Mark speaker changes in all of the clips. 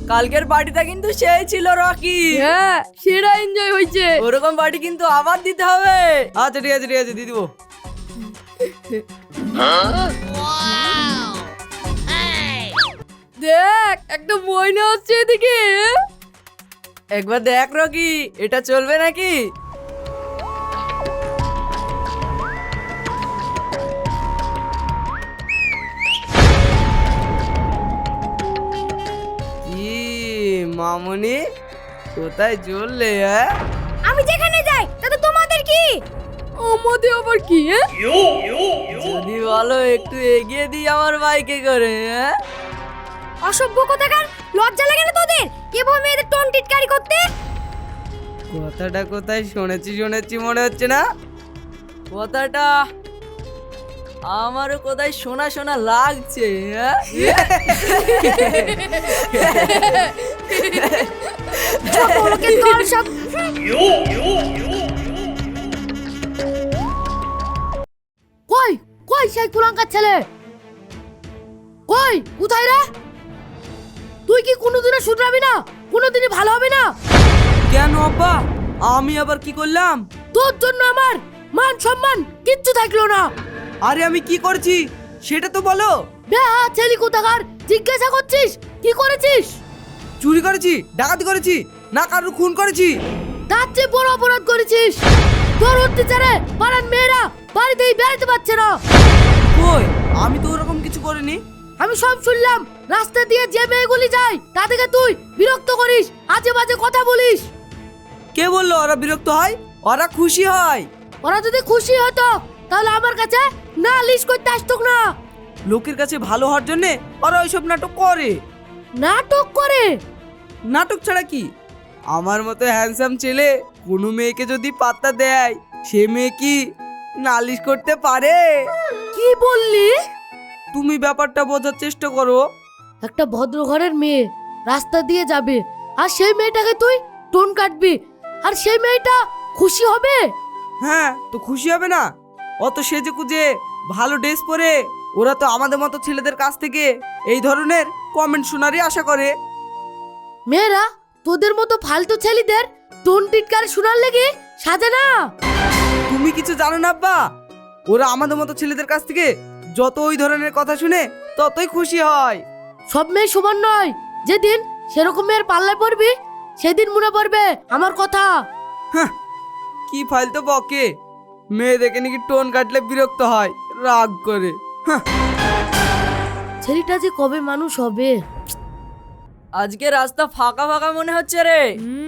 Speaker 1: কালকের পার্টিটা কিন্তু সেই ছিল রকি।
Speaker 2: হ্যাঁ সেরা এনজয় হয়েছে।
Speaker 1: ওরকম পার্টি কিন্তু আবার দিতে হবে। আচ্ছা ঠিক আছে দিয়ে দিব।
Speaker 2: দেখ একটা ময়না হচ্ছে এদিকে।
Speaker 1: একবার দেখ রকি, এটা চলবে নাকি? কি মামুনি, কোথায় চললে? হ্যাঁ
Speaker 3: আমি যেখানে যাই তাতে তোমাদের কি?
Speaker 2: আমাদের আবার কি?
Speaker 1: যদি বলো একটু এগিয়ে দিই আমার বাইকে করে। হ্যাঁ
Speaker 3: অসভ্য কোথাকার, লজ্জা লাগে না তোদের এভাবে মেয়েদের টোন টিটকারি করতে?
Speaker 1: কথাটা কোথায় শুনেছি মনে হচ্ছে না? কথাটা আমারও কোথায় শোনা শোনা লাগছে। হ্যাঁ
Speaker 3: ওকে তোর সব
Speaker 2: কই কই সেই কুলাঙ্কার ছেলে? কই কোথায় রে? তুই কি কোনোদিনও শুধরাবি না? কোনোদিনই ভালো হবে না?
Speaker 1: কেন আব্বা, আমি আবার কি করলাম?
Speaker 2: তোর জন্য আমার মান সম্মান কিচ্ছু থাকলো না।
Speaker 1: আরে আমি কি করছি সেটা তো বলো।
Speaker 2: বেহা ছেলে কোথাকার, জিজ্ঞাসা করছিস কি করেছিস?
Speaker 1: চুরি করেছি, ডাকাতি করেছি, না কারোর খুন করেছি।
Speaker 2: তার চেয়ে বড় অপরাধ করেছিস। তোর অত্যাচারে পাড়ার মেয়েরা বাড়িতেই বেড়াতে পারছে না।
Speaker 1: কই, আমি তো ওরকম কিছু করিনি।
Speaker 2: আমি সব শুনলাম। রাস্তা দিয়ে যে মেয়েগুলি যায় তাদেরকে তুই বিরক্ত করিস, আজে বাজে কথা বলিস।
Speaker 1: কে বললো ওরা বিরক্ত হয়? ওরা খুশি হয়।
Speaker 2: ওরা যদি খুশি হতো তাহলে আমার কাছে নালিশ করতে আসতো না।
Speaker 1: লোকের কাছে ভালো হওয়ার জন্য ওরা ওইসব নাটক করে।
Speaker 2: নাটক করে?
Speaker 1: নাটক ছাড়া কি? আমার মতো হ্যান্ডসাম ছেলে কোনো মেয়েকে যদি পাত্তা দেয়, সে মেয়ে কি নালিশ করতে পারে?
Speaker 2: কি বললি?
Speaker 1: তুমি ব্যাপারটা বোঝার চেষ্টা করো।
Speaker 2: একটা ভদ্র ঘরের মেয়ে রাস্তা দিয়ে যাবে আর সেই মেয়েটাকে তুই টোন কাটবি, আর সেই মেয়েটা খুশি হবে?
Speaker 1: হ্যাঁ তো খুশি হবে না? অত সেজে কুজে ভালো ড্রেস পরে ওরা তো আমাদের মতো ছেলেদের কাছ থেকে এই ধরনের কমেন্ট শোনারই আশা করে।
Speaker 2: মেয়েরা তোদের মতো ফালতু ছেলেদের টোন টিটকারি শোনার লেগে সাজে না।
Speaker 1: তুমি কিছু জানো না আব্বা, ওরা আমাদের মতো ছেলেদের কাছ থেকে যত ওই ধরনের কথা শুনে ততই খুশি হয়।
Speaker 2: সব মেয়ে সমান নয়। যেদিন সেরকম মেয়ের পাল্লায় পড়বি সেদিন মনে পড়বে আমার কথা।
Speaker 1: হ্যাঁ, কি ফালতু বকে। মেয়ে দেখে নাকি টোন কাটলে বিরক্ত হয়, রাগ করে। হ্যাঁ,
Speaker 2: ছেলেটা যে কবে মানুষ হবে।
Speaker 1: আজকে রাস্তা ফাঁকা ফাঁকা মনে হচ্ছে রে।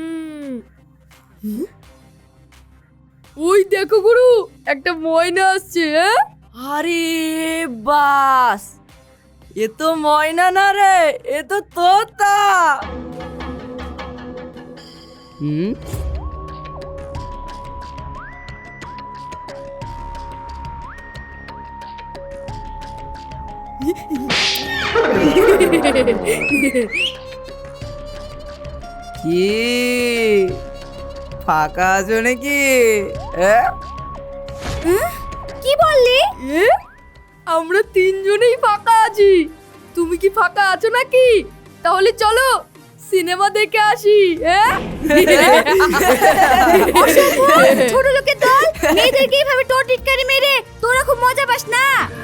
Speaker 2: ওই দেখো গুরু, একটা ময়না আসছে।
Speaker 1: আরে বাস, এ তো ময়না না রে, এ তো তোতা। হুম, কি ফাঁকা আছো নাকি?
Speaker 3: কি বললি?
Speaker 2: আমরা তিনজনেই ফাঁকা আছি। তুমি কি ফাঁকা আছো নাকি? তাহলে চলো সিনেমা দেখে আসি।
Speaker 3: ছোট লোকের দল, মেয়েদেরকে এইভাবে টোন টিটকারি মেরে তোরা খুব মজা পাস না?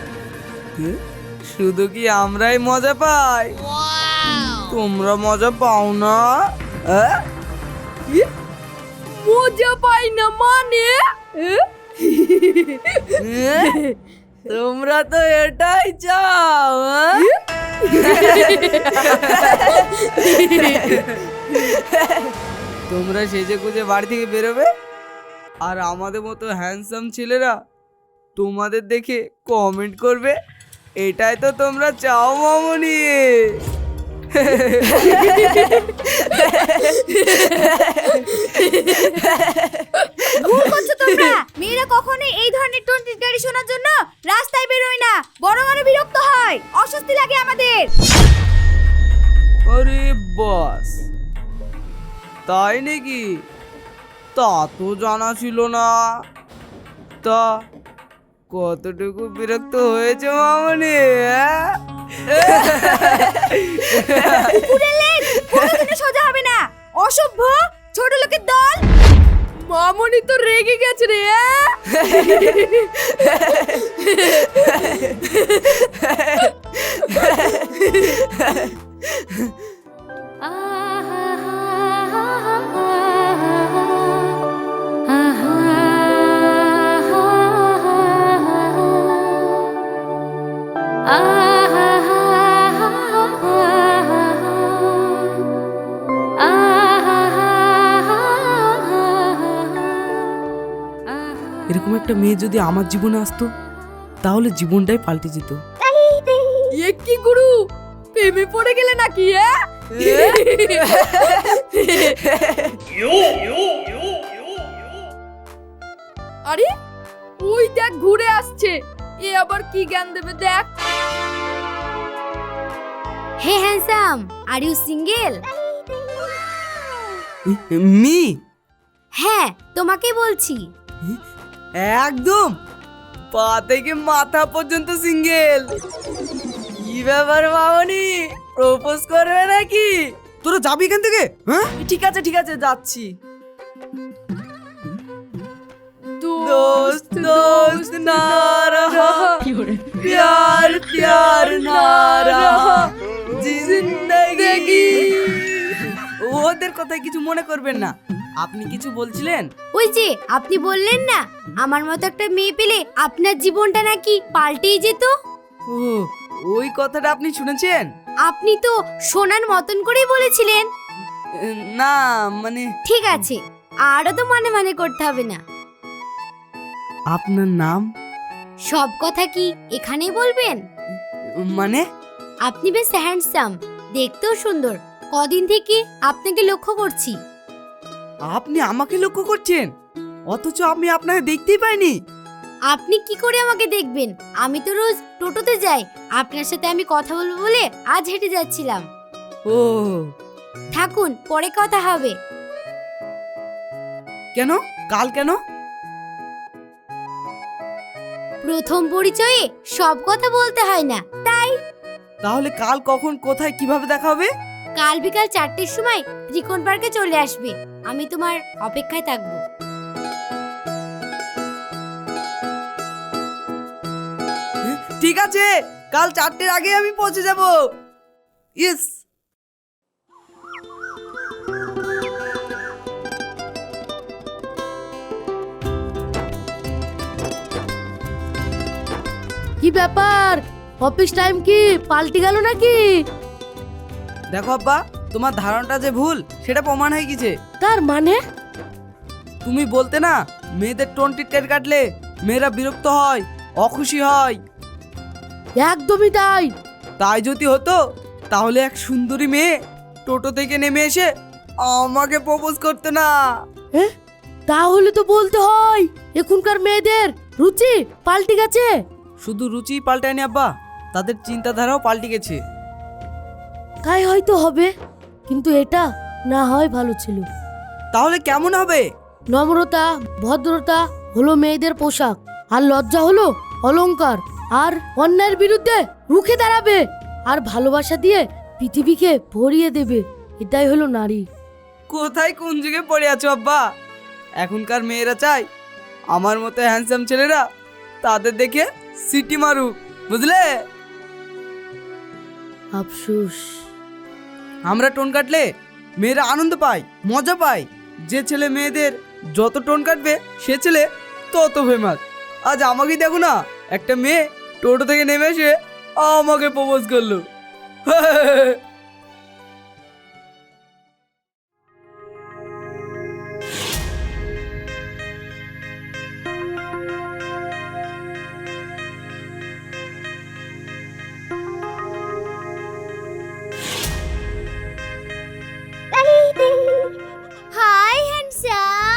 Speaker 1: শুধু কি আমরাই মজা পাই? তোমরা মজা পাও না?
Speaker 2: মজা পাই না মানে?
Speaker 1: তোমরা তো এটাই চাও। তোমরা সেজে গুজে বাড়ি থেকে বেরোবে আর আমাদের মতো হ্যান্ডসাম ছেলেরা তোমাদের দেখে কমেন্ট করবে, এটাই তো তোমরা চাও মামুনি।
Speaker 3: ভুল করছো তোমরা। মেয়েরা কখনোই এই ধরনের টোন টিটকারি শোনার জন্য রাস্তায় বেরোয় না, বরং আরো বিরক্ত হয়, অস্বস্তি লাগে আমাদের।
Speaker 1: আরে বাস, তাই নাকি? তা তো জানা ছিল না। তা কতটুকু বিরক্ত হয়েছে মামুনি?
Speaker 3: পুরে লেজ, পুরো
Speaker 2: রেগে গেছে রে।
Speaker 1: এরকম একটা মেয়ে যদি আমার জীবনে আসতো তাহলে জীবনটাই পাল্টে যেত।
Speaker 2: এ কি গুরু, প্রেমে পড়ে গেলে নাকি? আরে ওই দেখ ঘুরে আসছে, এ আবার কি জ্ঞান দেবে দেখ।
Speaker 3: Hey handsome, are you single?
Speaker 1: Me
Speaker 3: হ্যাঁ, তোমাকে বলছি।
Speaker 1: একদম পা থেকে মাথা পর্যন্ত সিঙ্গেল। কি ব্যাপার মামনি, প্রপোজ করবে নাকি? তোরা যাবি এখান থেকে? হ্যাঁ ঠিক আছে ঠিক আছে, যাচ্ছি। दोस्त दोस्त ना रहा, प्यार प्यार ना रहा, जिंदगी। ওদের কথায় কিছু মনে করবেন না। আপনি কিছু বলছিলেন?
Speaker 3: ওই যে আপনি বললেন না আমার মতো একটা মেয়ে পেলে আপনার জীবনটা নাকি পাল্টেই যেত।
Speaker 1: ও, ওই কথাটা আপনি শুনেছেন?
Speaker 3: আপনি তো শোনার মতন করেই বলেছিলেন।
Speaker 1: না মানে
Speaker 3: ঠিক আছে, আরো তো মানে মানে করতে হবে না।
Speaker 1: আপনার নাম?
Speaker 3: সব কথা কি এখানেই বলবেন?
Speaker 1: মানে
Speaker 3: আপনি বেশ হ্যান্ডসাম, দেখতেও সুন্দর। কদিন থেকে আপনাকে লক্ষ্য করছি।
Speaker 1: আপনি আমাকে লক্ষ্য করছেন, অথচ আমি আপনাকে দেখতেই পাইনি।
Speaker 3: আপনি কি করে আমাকে দেখবেন? আমি তো রোজ টোটোতে যাই, আপনার সাথে আমি কথা বলবো বলে আজ হেঁটে যাচ্ছিলাম।
Speaker 1: ও
Speaker 3: থাকুন, পরে কথা হবে।
Speaker 1: কেন? কাল কেন?
Speaker 3: প্রথম পরিচয়ে সব কথা বলতে হয় না, তাই।
Speaker 1: তাহলে কাল কখন কোথায় কিভাবে দেখা হবে?
Speaker 3: কাল বিকাল 4টের সময় ত্রিকোণ পার্কে চলে আসবে, আমি তোমার অপেক্ষায় থাকবো।
Speaker 1: ঠিক আছে, কাল 4টের আগে আমি পৌঁছে যাব। ইয়েস।
Speaker 2: কি ব্যাপার, অফিস টাইম কি পাল্টে গেল নাকি?
Speaker 1: দেখো আব্বা, তোমার ধারণাটা যে ভুল সেটা প্রমাণ হয়ে গেছে।
Speaker 2: তার মানে?
Speaker 1: তুমি বলতে না মেয়েদের টোন টিটকারি কাটলে মেয়েরা বিরক্ত হয়, অখুশি হয়।
Speaker 2: একদমই তাই।
Speaker 1: তাই যদি হতো তাহলে এক সুন্দরী মেয়ে টোটো থেকে নেমে এসে আমাকে প্রপোজ করতে না।
Speaker 2: তাহলে তো বলতে হয় এখনকার মেয়েদের রুচি পাল্টে গেছে।
Speaker 1: শুধু রুচি পাল্টায়নি আব্বা, তাদের চিন্তাধারাও পাল্টে গেছে।
Speaker 2: তাই হয়তো হবে, কিন্তু এটা না হয় ভালো ছিল।
Speaker 1: তাহলে কেমন হবে?
Speaker 2: নম্রতা ভদ্রতা হলো মেয়েদের পোশাক, আর লজ্জা হলো অলংকার। আর অন্যায়ের বিরুদ্ধে রুখে দাঁড়াবে, আর ভালোবাসা দিয়ে পৃথিবীকে ভরিয়ে দেবে। এটাই হলো নারী।
Speaker 1: কোথায় কোন যুগে পড়ে আছো আব্বা? এখনকার মেয়েরা চায় আমার মতো হ্যান্ডসাম ছেলেরা তাদের দেখে সিটি মারুক, বুঝলে?
Speaker 2: আফসোস।
Speaker 1: আমরা টোন কাটলে মেয়েরা আনন্দ পায়, মজা পায়। যে ছেলে মেয়েদের যত টোন কাটবে সে ছেলে তত ফেমাস। আজ আমাকেই দেখো না, একটা মেয়ে টোটো থেকে নেমে এসে আমাকে প্রপোজ করলো।
Speaker 3: Hi handsome.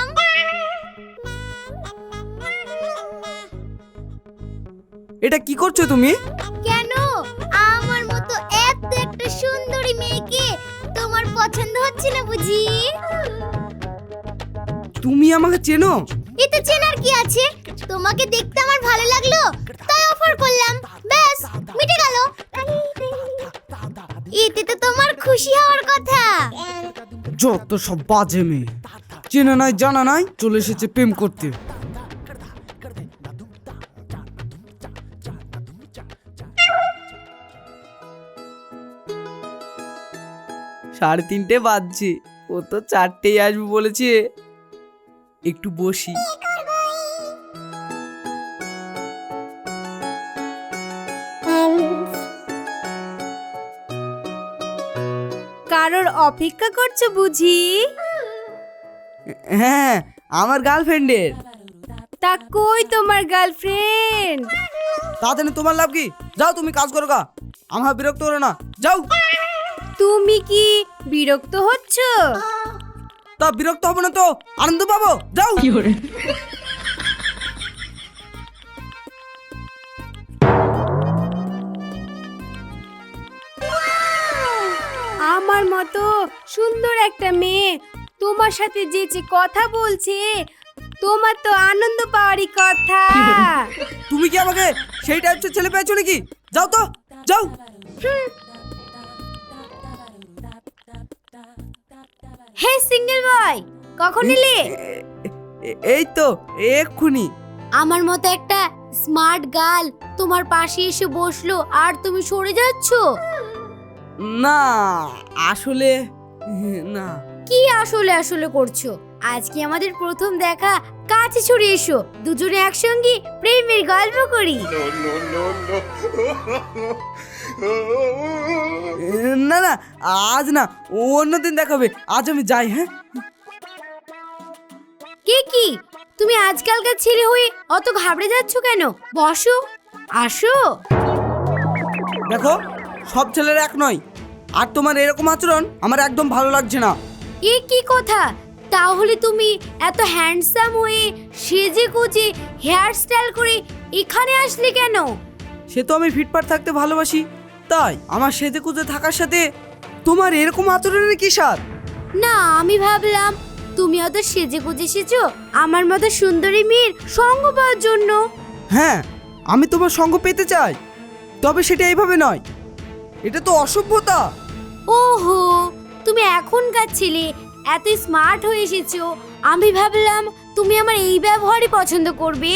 Speaker 1: এটা কি করছো তুমি?
Speaker 3: কেন, আমার মতো এত একটা সুন্দরী মেয়েকে তোমার পছন্দ হচ্ছে না বুঝি?
Speaker 1: তুমি আমাকে চেনো?
Speaker 3: এতে চেনার কি আছে? তোমাকে দেখতে আমার ভালো লাগলো তাই অফার করলাম, ব্যাস মিটে গেল। এতে তো তোমার খুশি হওয়ার কথা।
Speaker 1: যত সব বাজে মেয়ে, চেনা নাই জানা নাই চলে এসেছে প্রেম করতে। সাড়ে তিনটে বাজছে, ও তো চারটেই আসবে বলেছে। একটু বসি।
Speaker 3: কারোর অপেক্ষা করছো বুঝি?
Speaker 1: হ্যাঁ, আমার গার্লফ্রেন্ডের।
Speaker 3: তা কই তোমার গার্লফ্রেন্ড?
Speaker 1: তাতে তোমার লাভ কি? যাও তুমি কাজ করো গা, আমার বিরক্ত করো না, যাও।
Speaker 3: তুমি কি বিরক্ত হচ্ছ?
Speaker 1: তা বিরক্ত হবো না তো আনন্দ পাবো, যাও।
Speaker 3: আমার মতো সুন্দর একটা মেয়ে তোমার সাথে যে কথা বলছে, তোমার তো আনন্দ পাওয়ারই কথা।
Speaker 1: তুমি কি আমাকে সেই টাইপের ছেলে পেয়েছো নাকি? যাও তো, যাও।
Speaker 3: হে সিঙ্গেল বয়, কখন এলে?
Speaker 1: এই তো এক্ষুনি।
Speaker 2: আমার মতো একটা স্মার্ট গার্ল তোমার পাশে এসে বসলো আর তুমি সরে যাচ্ছ।
Speaker 1: না আসলে না।
Speaker 3: কি আসলে আসলে করছো? আজকে আমাদের প্রথম দেখা, কাছে ছড়ে এসো, দুজনে একসঙ্গে প্রেমের গল্প করি।
Speaker 1: না না, আজ না, অন্যদিন দেখাবে। আজ আমি যাই। হ্যাঁ,
Speaker 3: কে কি তুমি আজকালকার ছেলে হয়ে অত ঘাবড়ে যাচ্ছ কেন? বসো, আসো।
Speaker 1: দেখো সব ছেলেরা এক নয়, আর তোমার এরকম আচরণ আমার একদম ভালো লাগছে না।
Speaker 3: এ কি কথা? তাহলে তুমি এত হ্যান্ডসাম হয়ে সেজে গুজে হেয়ার স্টাইল করে এখানে আসলে কেন?
Speaker 1: সে তো আমি ফিটফাট থাকতে ভালোবাসি, তাই আমার সেজে কুজে থাকার সাথে তোমার এরকম আচরণের কি সাথ?
Speaker 3: না, আমি ভাবলাম তুমি অত সেজে গুজে এসেছো আমার মতো সুন্দরী মেয়ের সঙ্গ পাওয়ার জন্য।
Speaker 1: হ্যাঁ, আমি তোমার সঙ্গ পেতে চাই, তবে সেটা এইভাবে নয়। এটা তো অসভ্যতা।
Speaker 3: ওহো, তুমি এখনকার ছেলে, এত স্মার্ট হয়ে এসেছো, আমি ভাবলাম তুমি আমার এই ব্যবহারই পছন্দ করবে।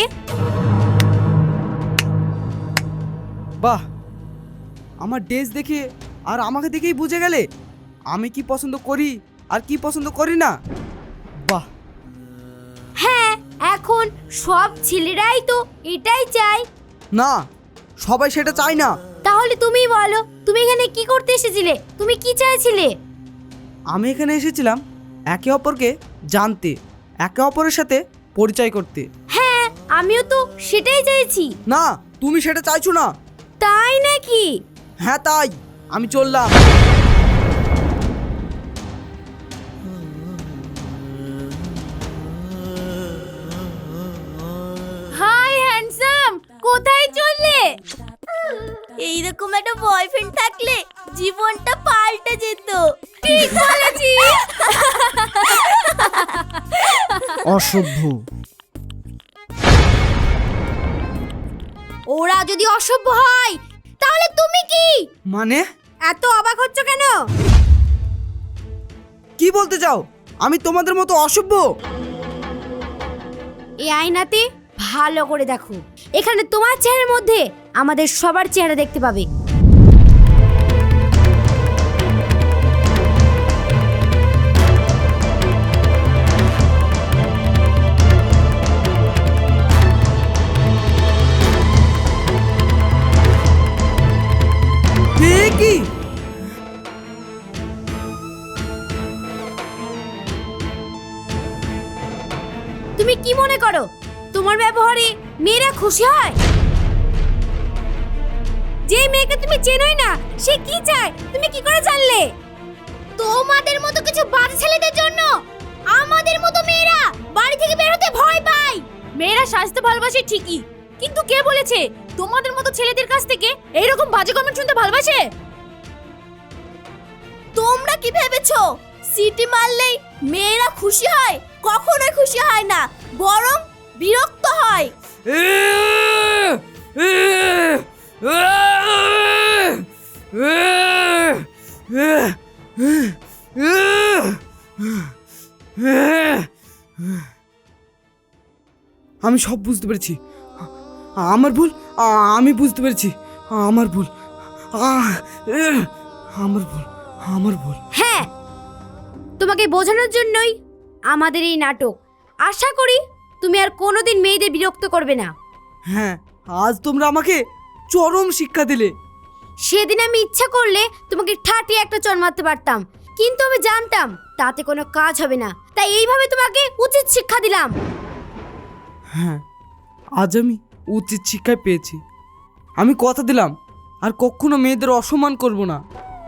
Speaker 1: বাহ, আমার ড্রেস দেখে আর আমাকে দেখেই বুঝে গেলে আমি কি পছন্দ করি আর কি পছন্দ করি না। বাহ।
Speaker 3: হ্যাঁ, এখন সব ছেলেরাই তো এটাই চায়।
Speaker 1: না, সবাই সেটা চায় না।
Speaker 3: তাহলে তুমি বলো, তুমি এখানে কি করতে এসেছিলে? তুমি কি চাইছিলে?
Speaker 1: আমি এখানে এসেছিলাম একে অপরকে জানতে, একে অপরের সাথে পরিচয় করতে।
Speaker 3: হ্যাঁ, আমিও তো সেটাই চাইছি।
Speaker 1: না, তুমি সেটা চাইছো না।
Speaker 3: তাই নাকি?
Speaker 1: হ্যাঁ তাই, আমি চললাম।
Speaker 3: হাই হ্যান্ডসাম, কোথায় চললে? এইরকম একটা বয়ফ্রেন্ড থাকলে জীবনটা পাল্টে যেত। ঠিক বলেছিস।
Speaker 1: অসভ্য।
Speaker 3: ওরা যদি অসভ্য হয় তাহলে তুমি কি?
Speaker 1: মানে
Speaker 3: এত অবাক হচ্ছ কেন?
Speaker 1: কি বলতে চাও? আমি তোমাদের মতো অসভ্য?
Speaker 3: এই আয়নাতে ভালো করে দেখো, এখানে তোমার চেহারার মধ্যে আমাদের সবার চেহারা দেখতে পাবে।
Speaker 1: কি?
Speaker 3: তুমি কি মনে করো তোমার ব্যবহারে মেয়েরা খুশি হয়? যে মেয়েকে তুমি চেনোই না সে কি চায় তুমি কি করে জানলে? তোমাদের মতো কিছু বাজে ছেলেদের জন্য আমাদের মতো মেয়েরা বাড়ি থেকে বের হতে ভয় পায়। মেয়েরা সাজতে ভালোবাসে ঠিকই, কিন্তু কে বলেছে তোমাদের মতো ছেলেদের কাছ থেকে এইরকম বাজে কমেন্ট শুনতে ভালোবাসে? তোমরা কি ভেবেছো সিটি মারলেই মেয়েরা খুশি হয়? কখনোই খুশি হয় না, বরং বিরক্ত হয়।
Speaker 1: আমি সব বুঝতে পেরেছি। আমার ভুল, আমি বুঝতে পেরেছি। আমার ভুল, আমার ভুল, আমার ভুল।
Speaker 3: হ্যাঁ, তোমাকে বোঝানোর জন্যই আমাদের এই নাটক। আশা করি তুমি আর কোনোদিন মেয়েদের বিরক্ত করবে না।
Speaker 1: হ্যাঁ, আজ তোমরা আমাকে চরম শিক্ষা দিলে।
Speaker 3: সেদিন আমি ইচ্ছা করলে তোমাকে ঠাটিয়ে একটা চড় মারতে পারতাম, কিন্তু আমি জানতাম তাতে কোনো কাজ হবে না, তাই এইভাবে তোমাকে উচিত শিক্ষা দিলাম।
Speaker 1: হ্যাঁ, আজ আমি উচিত শিক্ষায় পেয়েছি। আমি কথা দিলাম আর কখনো মেয়েদের অসম্মান করব না।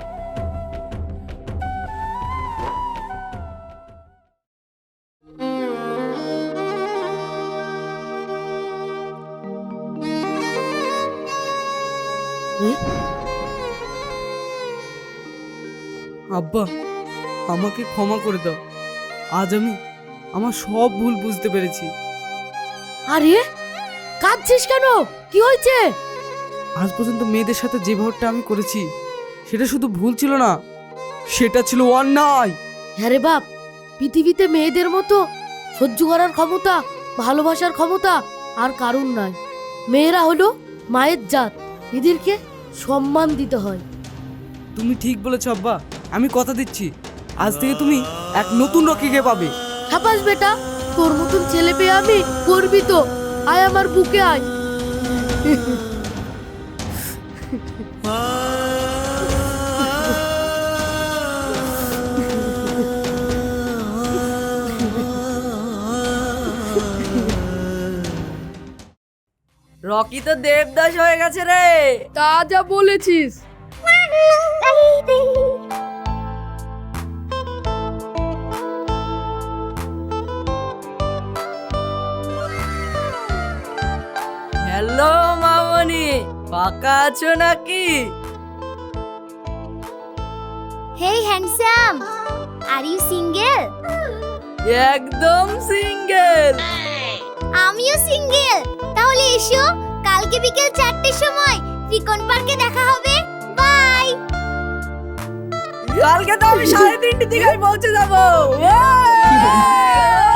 Speaker 1: আব্বা, আমাকে ক্ষমা করে দাও। আজ আমি আমার সব ভুল বুঝতে পেরেছি।
Speaker 2: আরে কাঁদছিস কেন? কি হয়েছে?
Speaker 1: আজ পর্যন্ত মেয়েদের সাথে যে ব্যবহারটা আমি করেছি সেটা শুধু ভুল ছিল না, সেটা ছিল অন্যায়।
Speaker 2: হ্যাঁ রে বাপ, পৃথিবীতে মেয়েদের মতো সহ্য করার ক্ষমতা, ভালোবাসার ক্ষমতা আর কারুর নাই। মেয়েরা হলো মায়ের জাত, এদেরকে সম্মান দিতে হয়।
Speaker 1: তুমি ঠিক বলেছ আব্বা, আমি কথা দিচ্ছি আজ থেকে তুমি এক নতুন রকিকে পাবে।
Speaker 2: সাবাস বেটা, তোর মতন ছেলে পেয়ে আমি গর্বিত। আয় আমার বুকে আয়।
Speaker 4: রকি তো দেবদাস হয়ে গেছে রে।
Speaker 2: তা যা বলেছিস।
Speaker 4: হ্যালো মামনি, ফাঁকা আছো নাকি?
Speaker 3: Hey handsome, are you single?
Speaker 4: একদম সিঙ্গেল।
Speaker 3: আমিও সিঙ্গেল। তাহলে এসো, কালকে বিকেল 4টের সময় ত্রিকোণ পার্কে দেখা হবে। বাই।
Speaker 4: কালকে তো আমি 3:30 দিকে পৌঁছে যাবো।